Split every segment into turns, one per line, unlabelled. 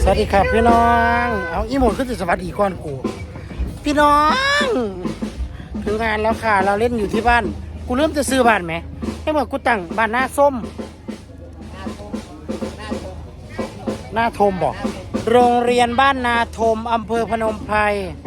สวัสดีครับพี่น้องเอาอีหมดขึ้นสวัสดีก่อนกูพี่น้องถึงงานแล้วค่ะเราเล่นอยู่ที่บ้านกูเริ่มจะซื้อบ้านไหมให้บอกกูตั้งบ้านหน้าส้มหน้าทมบอกโรงเรียนบ้านนาทมอำเภอพนมไพร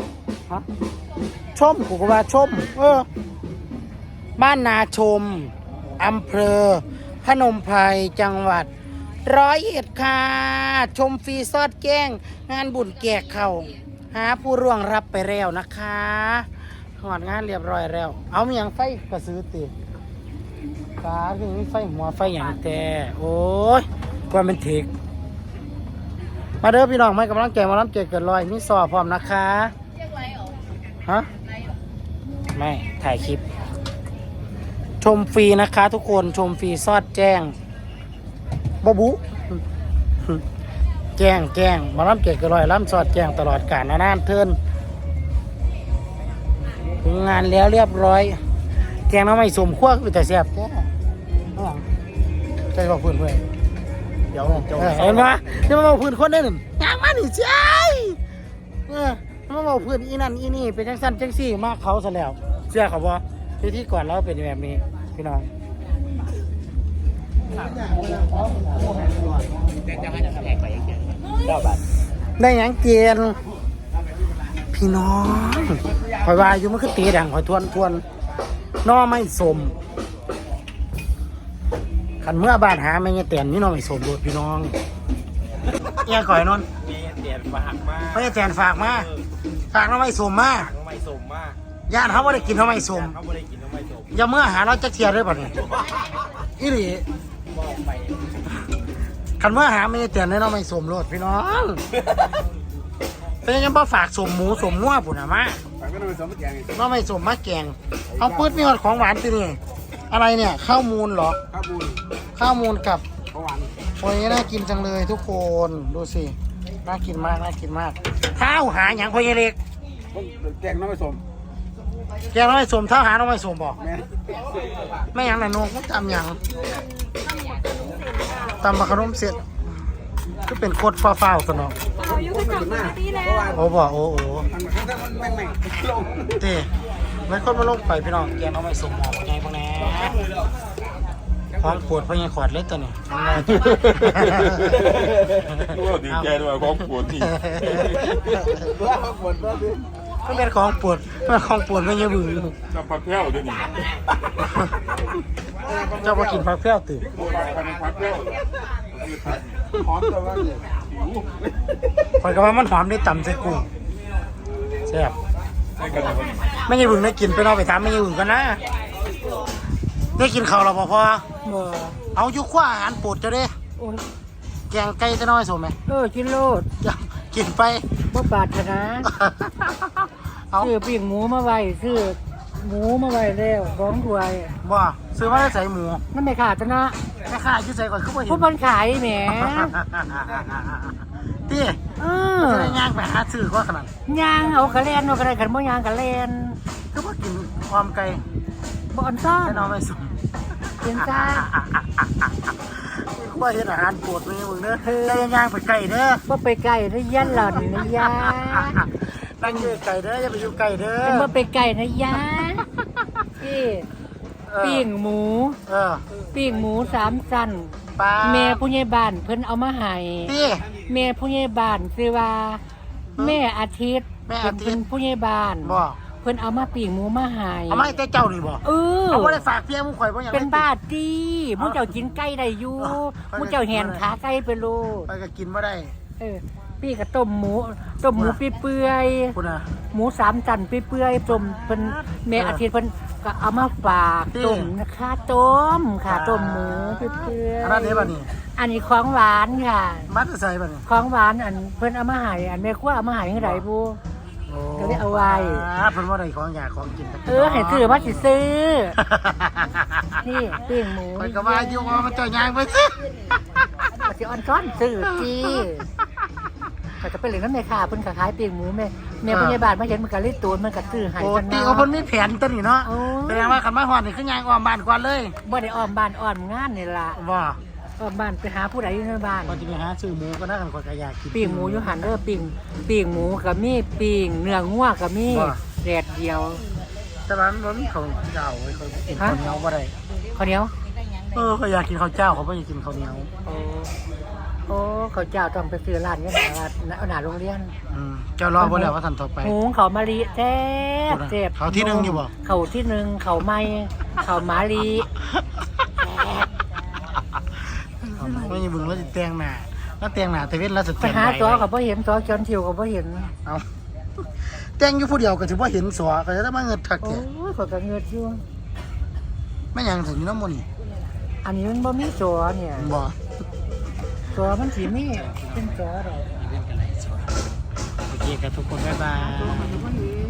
ชมกูก็ว่าชมบ้านนาชมอำเภอพนมไพรจังหวัด101ค่ะชมฟรีซอดแก้งงานบุญแจกเข่าหาผู้ร่วงรับไปแล้วนะคะหอดงานเรียบร้อยแล้วเอามีอย่างไฟกระซื้อติฟ้าคือไฟหัวไฟอย่างแต่โอ้ยกว่าเป็นเทกมาเด้อพี่น้องไม่กำลังแก่มาล้ำเจเกิดลอยมีสอบพร้อมนะคะฮะไม่ถ่ายคลิปชมฟรีนะคะทุกคนชมฟรีซอดแจ้งบบุแจ้งมาล้ำเกตกระลอยล้ำสอดแจ้งตลอดกาลนานเทินถึงงานแล้วเรียบร้อยแกงน้ำไม่สมขั้วคือแต่แซ่บแค่ใจบอกพื้นเพื่อนเดี๋ยวเห็นปะเดี๋ยวมาบอกพื้นคนได้หนึ่งยางมันนี่ใช่มาบอกพื้นอีนั่นอีนี่เป็นจังสั้นจังซี่มากเขาซะแล้วเชื่อเขาบ่ที่ก่อนเราเป็นแบบนี้พี่น้องได้ยังเกียนพี่น้องคอยว่าอยู่มันคือตีดังคอยทวนน้อไม่สมขันเมื่อบ้านหาไม่เงี้ยเตียนนี่น้อไม่สมโดดพี่น้องแย่ก่อยนน
เตียนฝากมา
ไม่เตียนฝากมาฝากน้อไม่สมมาญาติเขาไม่ได้กินน้อไม่สมอย่าเมื่อหาเราจะเทียร์ด้วยป่ะเนี่ยอีหลีขันเมื่อหาไม่เตียนน้อไม่สมโลดพี่น้องเป็นยังพอฝากสมหมูสมงัวปุ่นอะมาน้อไม่สมมาแกงเอาปื๊ดมีหอดของหวานตีนี่อะไรเนี่ยข้าวมูลเหรอข้าวมูลกับโอ้ยน่ากินจังเลยทุกคนดูสิน่ากินมากข้าวหาอย่างพอยเล็ก
แกงน้ำไม่สม
แกงน้ำไม่สมเท่าหาน้ำไม่สมบอกไม่อย่างไหนโน้ก็ทำอย่างตำมะขนมเสร็จก็เป็นโคตรฟ้าวๆตัวน้องโอ้บอกโอ้เต้ไม่คนมาลงไปพี่น้องแกงน้ำไม่สมหมอกไงพวกนี้ของปวดพยังขวดเล็กตัวนี้
ดีใจด้วยของปวดที่
ก็เป็นของปวดไม่เยอะบือ
จะพักแพ้วด้วยนี่
เจ้ามากินผักแพ้วตื่น
พักแพ้วหอมแต่ว่า
คอยกับว่ามันหอมได้ต่ำใส่กุ้งแซ่บไม่เยอะบือได้กินไปนอนไปถามไม่เยอะบือกันนะได้กินข้าวหรอพ่อเอายุคว้าอาหารปวดจะได้แกงไก่จะน้อยสมไหม
กินโลด
กินไป
บ่บาดนะซื้อปิ้งหมูมาไว้ซื้อหมูมาไว้แล้วของด้วย
บ่ซื้อมาได้ใส่หมู
นั่นไม่ขาดนะ
ไม่ขาดชื่อใส่ก่อนคือบ่เห็น
ผู้บันขายแหม
ตีจะได้ย่างไปหาซื้อก็ขนาด
ย่างเอากระเลนเอากระไรขันบ่ย่างกระเลน
คือบ่กินความไก่
บ่อนซ่อน
น้องไม่สม
กินจ้า
ว่าเห็นอาหารปวดเลยมึงเด้อได้ย่างไปไก่เด้อ
บ่ไปไก่นะยันหล่อนนะยา
ตั้งอยู่ไก่เด้ออย่าไปอยู่ไก่เด้อ
บ่ไปไก่นะยาพี่ปิ้งหมูปิ้งหมู3 ชั้นแม่ผู้ใหญ่บ้านเพิ่นเอามาให้แม่ผู้ใหญ่บ้านชื่อว่าแม่อาทิตย์เป็นผู้ใหญ่บ้านเพิ่นเอามาปิ้งหมูมาให้
เอามาให้แต่เจ้านี่บ่เอาบ่ได้ฝากเพียมึงข่อยบ่หยัง
เป็นบ้าตีมึงเจ้ากินไก่ได้อยู่มึงเจ้าแหนขาไก่ไปโลด
ไปก็กินบ่ได้
พี่ก็ต้มหมูเปื่อยหมู3 ชั้นเปื่อยต้มเพิ่นแม่อาทิตย์เพิ่นก็เอามาฝากต้มนะคะต้มหมูเปื่อย
อันนี้บ่นี่
อันนี้ของหวานค่ะ
มัดใส่บ่นี่
ของหวานอันเพิ่นเอามาให้อันแม่ครัวเอามาให้จังได๋ผู้ก็ได้เอาไว้
เพิ่นว่าได้ของอยากของกิน
ให้ซื้อมาสิซื้อนี่ปิ้งหมู
ข่อยก็ว่าอยู่ว่ามันเจ้าย่างไปซื้อ
สิอ่อนซ้อนซื้อจีก็จะไปเล่นน้ำในขาเพิ่นก็ขายปิ้งหมูแม่พยาบาลมาเห็นมันก็เลยตูนมันก็ซื้อให้
กันเนาะตีเพิ่นมีแผนตัวนี้เนาะแสดงว่าคันมาฮอดนี่คือย่างอ้อมบ้านก่อนเลย
บ่ได้อ้อมบ้านอ้อมงานนี่ล่ะ
บ่
บ้านไปหาผู้ใดอยู่ในบ้าน
พอจะไปหาซื้อหมูก็น่ากันคนก็อยากกิน
ปิ้งหมูอยู่หันเด้อปิ้งหมูกับมีปิ้งเนื้องัวกับมีแดดเดียว
แต่ร้านมันมีข้าวเจ้าไว้เขากินข้าวเหนียวบ่ได้
ข้าวเหนียว
เขาอยากกินข้าวเจ้าเขาไม่อยากกินข้าวเหนียว
โอ้ข้าวเจ้าต้องไปซื้อร้านนี้หน้าโรงเรียน
เจ้ารอบ่แล้วว่าท่านต่อไป
หุงข้าวมะลิแซ่บแซ่บ
เขาที่หนึ่งอยู่บ่
ข้าวที่หนึ่งข้าวไหม้ข้าวหมาลี
ไม่ยังบึงแล้วจะแต่งหน้าแล้วแต่งหน้าแต่เว้นแล้วจะ
ไป
แต่ง
หา
ใบ
ตัวกับพ่เห็นตัวจอนทิวกับพ่เห็น
เอาแต่งอยู่ผู้เดียวก็ถือว่าเห็นสัวก็จะได้มาเงินทัก
โอ้
แท้
ยขอยกับเงือดอยู่
ไม่ยังถึงน้ำมันนี่
อันนี้มันบ่มีตัวเนี่ย
บ่
ตัวมันสีมีเป็นตัวดอก
โอเคกับทุกคนบ๊ายบาย
ตัวมันบ่เห็น